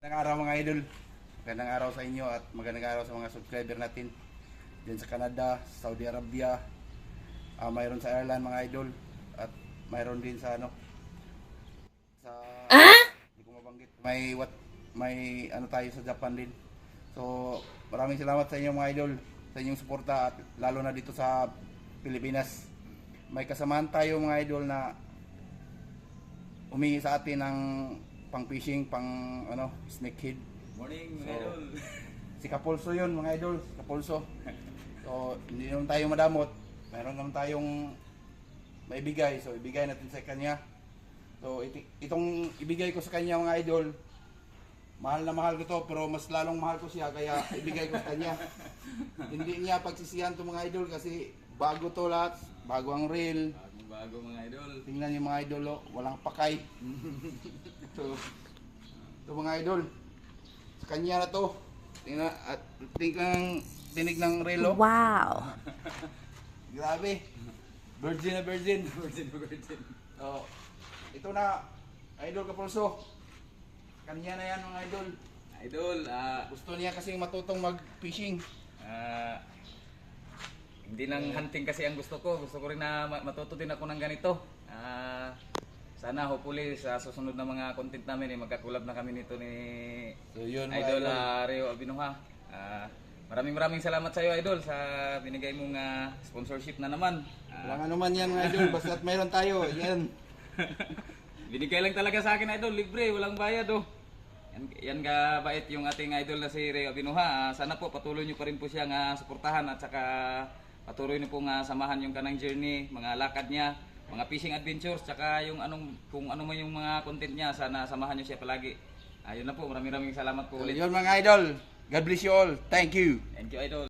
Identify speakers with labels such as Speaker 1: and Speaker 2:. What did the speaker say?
Speaker 1: Magandang araw mga idol. Magandang araw sa inyo at magandang araw sa mga subscriber natin diyan sa Canada, Saudi Arabia, mayroon sa Ireland mga idol at mayroon din sa sa hindi ko mabanggit. May ano tayo sa Japan din. So, maraming salamat sa inyo mga idol sa inyong suporta at lalo na dito sa Pilipinas. May kasamahan tayo mga idol na humingi sa atin ng pang fishing, pang snakehead.
Speaker 2: Morning
Speaker 1: So,
Speaker 2: mga idol.
Speaker 1: Si Kapulso yun mga idol, Kapulso. So, hindi naman tayo madamot. Meron naman tayong maibigay. So, ibigay natin sa kanya. So, itong ibigay ko sa kanya mga idol, mahal na mahal ko to, pero mas lalong mahal ko siya, kaya ibigay ko sa kanya. Hindi niya pagsisihan to mga idol kasi bago to lahat. Bago ang reel.
Speaker 2: Bago mga idol.
Speaker 1: Tingnan niyo mga idol, oh, walang pakay. So, ito mga idol, sa kanya na to. Tingnan at tinig ng relo.
Speaker 3: Wow.
Speaker 1: Grabe. Virgin na virgin.
Speaker 2: Virgin.
Speaker 1: So, ito na, idol Kapulso. Kanya na yan mga idol.
Speaker 2: Idol,
Speaker 1: Gusto niya kasing matutong mag-fishing.
Speaker 2: hindi lang hunting kasi ang gusto ko. Gusto ko rin na matuto din ako ng ganito. Sana hopefully sa susunod na mga content namin magkakulab na kami nito ni
Speaker 1: So, yun mga
Speaker 2: Idol Reo Abinuha. Maraming salamat sa iyo Idol sa binigay mong sponsorship na naman.
Speaker 1: Walang ano man yan mga idol, basta't mayroon tayo. Yan.
Speaker 2: Binigay lang talaga sa akin Idol, libre, walang bayad oh. Yan ka bait yung ating idol na si Reo Abinuha. Sana po patuloy niyo pa rin po siyang suportahan at saka patuloy niyo pong samahan yung kanang journey, mga lakad niya, mga fishing adventures, tsaka yung kung ano man yung mga content niya, sana samahan niyo siya palagi. Ayun na po, maraming salamat po ulit.
Speaker 1: Yun mga idol. God bless you all. Thank you.
Speaker 2: Thank you Idol.